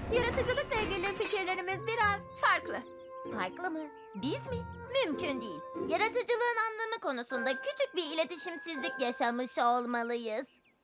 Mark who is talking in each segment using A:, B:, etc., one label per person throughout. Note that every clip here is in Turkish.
A: Yaratıcılıkla ilgili fikirlerimiz biraz farklı.
B: Farklı mı? Biz mi? Mümkün değil. Yaratıcılığın anlamı konusunda küçük bir iletişimsizlik yaşamış olmalıyız.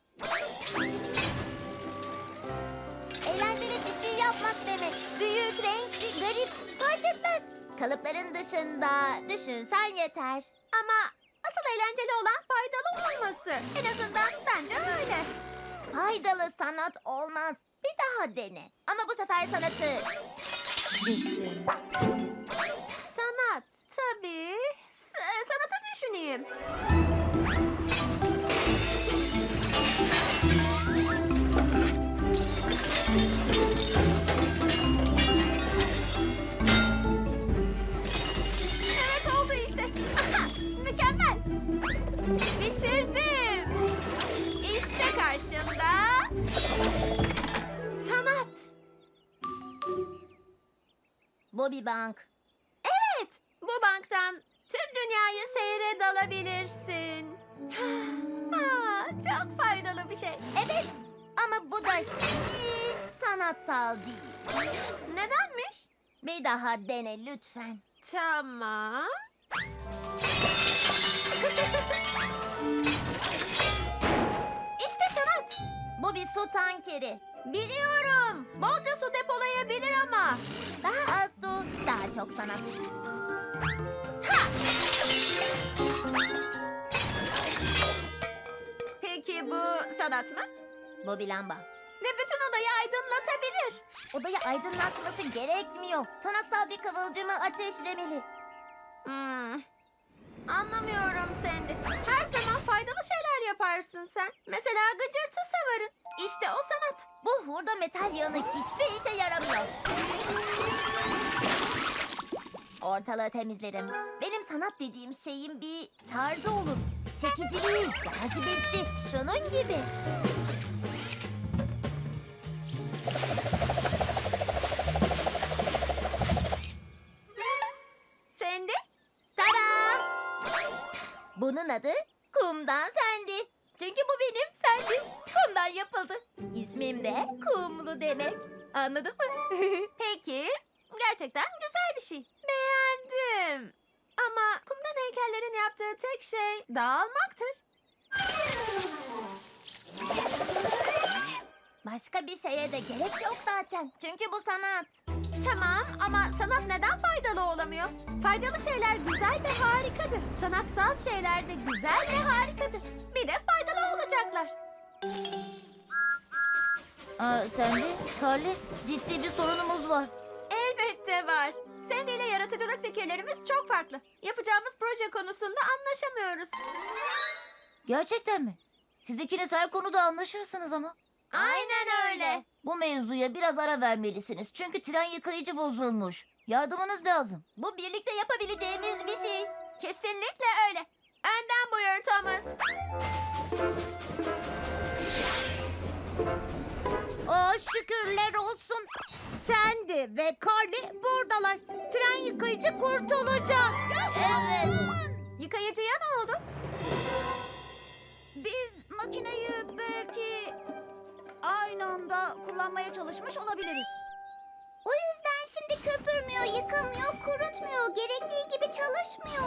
B: Eğlenceli bir şey yapmak demek. Büyük, renkli, garip, fark etmez. Kalıpların dışında düşünsen yeter.
A: Ama asıl eğlenceli olan faydalı olması. En azından bence öyle.
B: Faydalı sanat olmaz. Bir daha dene. Ama bu sefer sanatı düşün.
A: Sanat, tabii. Sanatı düşüneyim. Evet, oldu işte. Aha, mükemmel. Bitirdim. İşte karşında sanat.
B: Bobby Bank.
A: Evet, bu banktan tüm dünyayı seyre dalabilirsin. Çok faydalı bir şey.
B: Evet ama bu da hiç sanatsal değil.
A: Nedenmiş?
B: Bir daha dene lütfen.
A: Tamam. İşte sanat.
B: Bu bir su tankeri.
A: Biliyorum. Bolca su depolayabilir ama.
B: Daha az su, daha çok sanat.
A: Peki bu sanat mı?
B: Bobby lamba.
A: Ve bütün odayı aydınlatabilir.
B: Odayı aydınlatması gerekmiyor. Sanatsal bir kıvılcımı ateşlemeli.
A: Hmm. Anlamıyorum Sandy. Her zaman faydalı şeyler yaparsın sen. Mesela gıcırtı savarın. İşte o sanat.
B: Bu hurda metal yağını hiçbir işe yaramıyor. Ortalığı temizlerim. Benim sanat dediğim şeyin bir tarzı olur. Çekiciliği, cazibesi, şunun gibi.
A: Sandy?
B: Tada! Bunun adı Kumdan Sendi. Çünkü bu benim Sendi. Kumdan yapıldı. İsmim de Kumlu demek. Anladın mı?
A: Peki. Gerçekten güzel bir şey. Beğendim. Ama kumdan heykellerin yaptığı tek şey dağılmaktır.
B: Başka bir şeye de gerek yok zaten. Çünkü bu sanat.
A: Tamam ama sanat neden faydalı olamıyor? Faydalı şeyler güzel ve harikadır. Sanatsal şeyler de güzel ve harikadır. Bir de faydalı olacaklar.
B: Sendi, Carly, ciddi bir sorunumuz var.
A: Elbette var. Sandy ile yaratıcılık fikirlerimiz çok farklı. Yapacağımız proje konusunda anlaşamıyoruz.
B: Gerçekten mi? Siz ikiniz her konuda anlaşırsınız ama.
A: Aynen öyle.
B: Bu mevzuya biraz ara vermelisiniz. Çünkü tren yıkayıcı bozulmuş. Yardımınız lazım. Bu birlikte yapabileceğimiz bir şey.
A: Kesinlikle öyle. Önden buyur Thomas.
C: Şükürler olsun. Sandy ve Carly buradalar. Tren yıkayıcı kurtulacak.
B: Evet.
A: Yıkayıcıya ne oldu?
C: Biz makineyi belki aynı anda kullanmaya çalışmış olabiliriz.
B: O yüzden şimdi köpürmüyor, yıkamıyor, kurutmuyor. Gerektiği gibi çalışmıyor.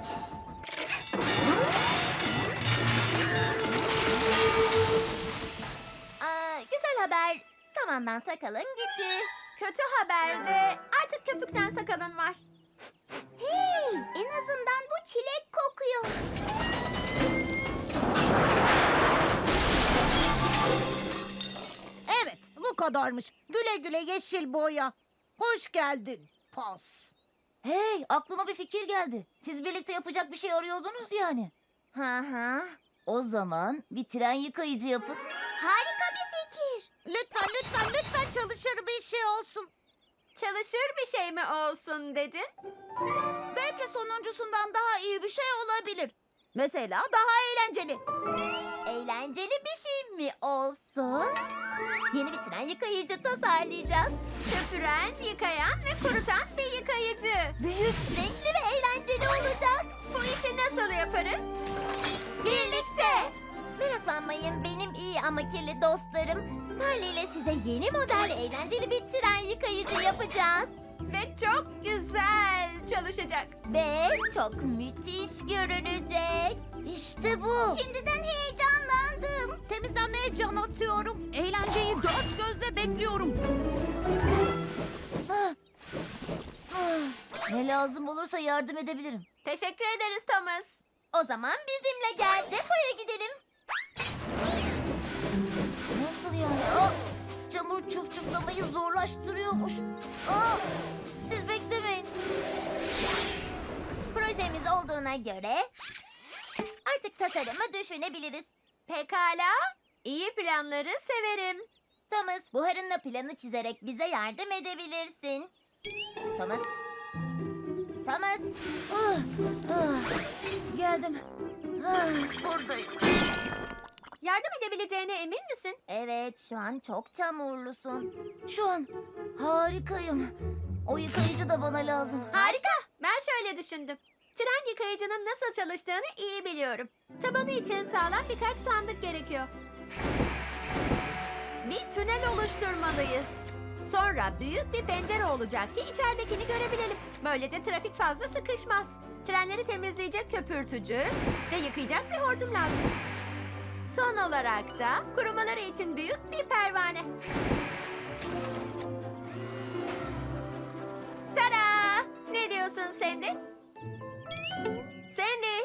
B: Güzel haber. Samandan sakalın gitti.
A: Kötü haber de artık köpükten sakalın var.
B: Hey, en azından bu çilek kokuyor.
C: Evet, bu kadarmış. Güle güle yeşil boya. Hoş geldin. Pas.
B: Hey, aklıma bir fikir geldi. Siz birlikte yapacak bir şey arıyordunuz yani. Hı hı. O zaman bir tren yıkayıcı yapın. Harika bir fikir.
C: Lütfen, lütfen, lütfen çalışır bir şey olsun.
A: Çalışır bir şey mi olsun dedin?
C: Belki sonuncusundan daha iyi bir şey olabilir. Mesela daha eğlenceli.
B: Eğlenceli bir şey mi olsun? Yeni bir tren yıkayıcı tasarlayacağız.
A: Köpüren, yıkayan ve kurutan bir yıkayıcı.
B: Büyük, renkli ve eğlenceli olacak.
A: Bu işi nasıl yaparız?
B: Birlikte. Meraklanmayın benim iyi ama kirli dostlarım. Carly ile size yeni model eğlenceli bir tren yıkayıcı yapacağız.
A: Ve çok güzel çalışacak.
B: Ve çok müthiş görünecek. İşte bu.
C: Şimdiden heyecanlandım. Temizlenmeye can atıyorum. Eğlenceyi dört gözle bekliyorum.
B: Ne lazım olursa yardım edebilirim.
A: Teşekkür ederiz Thomas.
B: O zaman bizimle gel, depoya gidelim. Nasıl yani? Çamur çufçuflamayı zorlaştırıyormuş. Siz beklemeyin. Projemiz olduğuna göre artık tasarımı düşünebiliriz.
A: Pekala. İyi planları severim.
B: Thomas, buharınla planı çizerek bize yardım edebilirsin. Thomas. Thomas. Geldim. Buradayım.
A: Yardım edebileceğine emin misin?
B: Evet, şu an çok çamurlusun. Şu an harikayım. O yıkayıcı da bana lazım.
A: Harika. Ben şöyle düşündüm. Tren yıkayıcının nasıl çalıştığını iyi biliyorum. Tabanı için sağlam birkaç sandık gerekiyor. Bir tünel oluşturmalıyız. Sonra büyük bir pencere olacak ki içeridekini görebilelim. Böylece trafik fazla sıkışmaz. Trenleri temizleyecek köpürtücü ve yıkayacak bir hortum lazım. Son olarak da kurumaları için büyük bir pervane. Tada! Ne diyorsun Sandy? Sandy!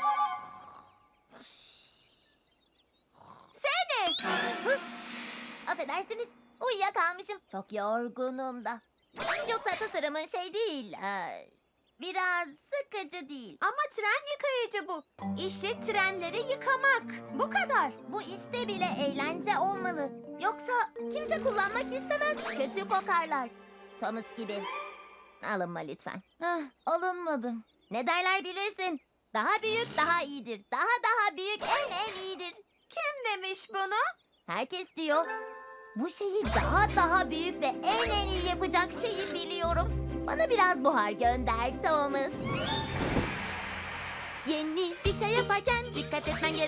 A: Sandy!
B: Affedersiniz, uyuyakalmışım. Çok yorgunum da. Yoksa tasarımın şey değil, biraz sıkıcı değil.
A: Ama tren yıkayıcı bu. İşi trenleri yıkamak. Bu kadar.
B: Bu işte bile eğlence olmalı. Yoksa kimse kullanmak istemez. Kötü kokarlar. Thomas gibi. Alınma lütfen. Alınmadım. Ne derler bilirsin. Daha büyük daha iyidir. Daha büyük en iyidir.
A: Kim demiş bunu?
B: Herkes diyor. Bu şeyi daha büyük ve en iyi yapacak şeyi biliyorum. Bana biraz buhar gönder Thomas. Yeni bir şey yaparken dikkat etmen gerek.